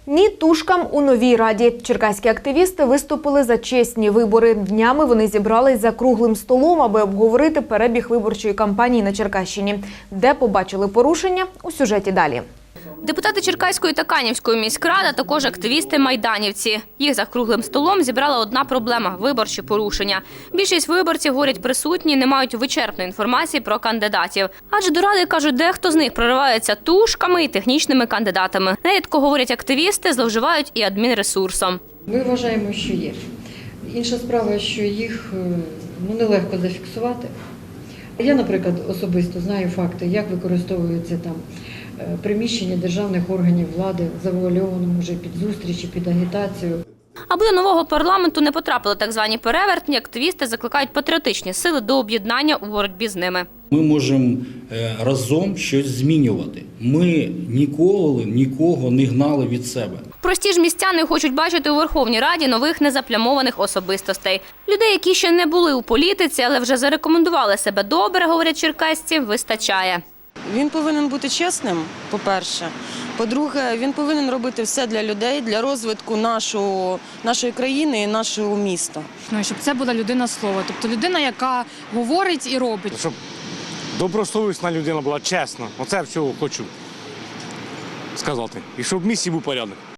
Ні тушкам у новій раді. Черкаські активісти виступили за чесні вибори. Днями вони зібрались за круглим столом, аби обговорити перебіг виборчої кампанії на Черкащині. Де побачили порушення – у сюжеті далі. Депутати Черкаської та Канівської міськради, а також активісти-майданівці. Їх за круглим столом зібрала одна проблема – виборчі порушення. Більшість виборців, говорять присутні, не мають вичерпної інформації про кандидатів. Адже до ради, кажуть, дехто з них проривається тушками і технічними кандидатами. Нерідко, говорять активісти, зловживають і адмінресурсом. Ми вважаємо, що є. Інша справа, що їх нелегко зафіксувати. Я, наприклад, особисто знаю факти, як використовуються там приміщення державних органів влади, завуальовано, може, під зустрічі, під агітацію. Аби до нового парламенту не потрапили так звані перевертні, активісти закликають патріотичні сили до об'єднання у боротьбі з ними. Ми можемо разом щось змінювати. Ми нікого не гнали від себе. Прості ж містяни хочуть бачити у Верховній Раді нових незаплямованих особистостей. Людей, які ще не були у політиці, але вже зарекомендували себе добре, говорять черкасці, вистачає. Він повинен бути чесним, по-перше. По-друге, він повинен робити все для людей, для розвитку нашої країни і нашого міста. Щоб це була людина слова, тобто людина, яка говорить і робить. Щоб добросовісна людина була, чесна. Оце всього хочу сказати. І щоб в місті був порядок.